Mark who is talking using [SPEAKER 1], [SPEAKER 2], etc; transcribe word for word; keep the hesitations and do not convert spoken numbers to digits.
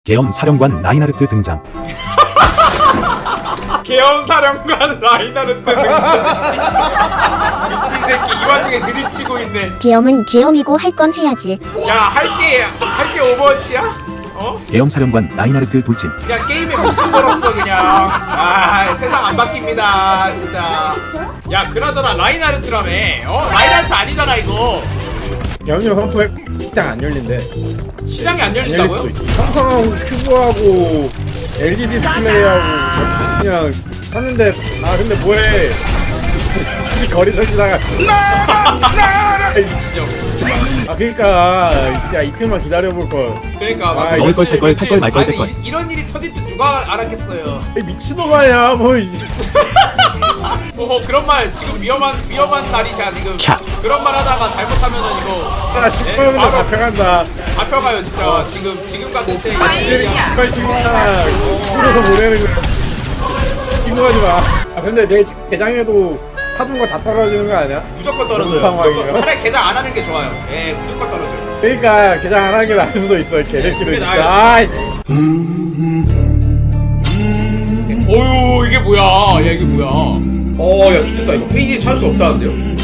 [SPEAKER 1] 계엄 사령관 라인하르트 등장.
[SPEAKER 2] 계엄 사령관 라인하르트 등장. 미친 새끼 이 와중에 드립치고 있네.
[SPEAKER 3] 계엄은 계엄이고 할 건 해야지.
[SPEAKER 2] 야 할게 할게 오버워치야? 어?
[SPEAKER 1] 계엄 사령관 라인하르트 돌진.
[SPEAKER 2] 그냥 게임에 목숨 걸었어 그냥. 아 세상 안 바뀝니다 진짜. 야 그나저나 라인하르트라며. 어? 라인하르트 아니잖아 이거.
[SPEAKER 4] 계엄령 선포에 시장 안 열린대.
[SPEAKER 2] 시장이 안
[SPEAKER 4] 안 열릴
[SPEAKER 2] 열린다고요?
[SPEAKER 4] 수도 있지. 삼성하고 큐브하고 엘지 디스플레이하고 그냥 샀는데 아 근데 뭐해? 굳이 거리 설치다가
[SPEAKER 2] 진짜 진짜.
[SPEAKER 4] 아 그러니까 진짜 이틀만 기다려볼 걸.
[SPEAKER 2] 그러니까 막
[SPEAKER 4] 아,
[SPEAKER 1] 먹을 걸, 살 걸, 탈 걸, 말 걸,
[SPEAKER 2] 아니,
[SPEAKER 1] 뗄 걸.
[SPEAKER 2] 이- 이런 일이 터질 줄 누가 알았겠어요.
[SPEAKER 4] 이 미친놈 아니야 뭐 이제.
[SPEAKER 2] 어 그런 말 지금 위험한 위험한 날이야 지금.
[SPEAKER 1] 캬.
[SPEAKER 2] 그런 말 하다가 잘못하면은 이거
[SPEAKER 4] 아 십분이면
[SPEAKER 2] 바로-
[SPEAKER 4] 잡혀간다.
[SPEAKER 2] 잡혀가요 진짜. 지금 지금 같은 때 이거
[SPEAKER 4] 빨리 신고하잖아. 풀어서 보내는 거야. 신고하지 마. 아 근데 내 계장에도 사둔 거 다 떨어지는 거 아니야?
[SPEAKER 2] 무조건 떨어져요.
[SPEAKER 4] 그런 상황이에요?
[SPEAKER 2] 무조건. 차라리 개장 안 하는 게 좋아요. 예 무조건 떨어져요.
[SPEAKER 4] 그러니까 계장 안 하는 게 나을 수도 있어. 개새끼도
[SPEAKER 2] 그게
[SPEAKER 4] 진짜.
[SPEAKER 2] 나아요.
[SPEAKER 4] 아이.
[SPEAKER 2] 어유 이게 뭐야? 야 이게 뭐야? 어야 좋겠다 이거 페이지에 찾을 수 없다는데요?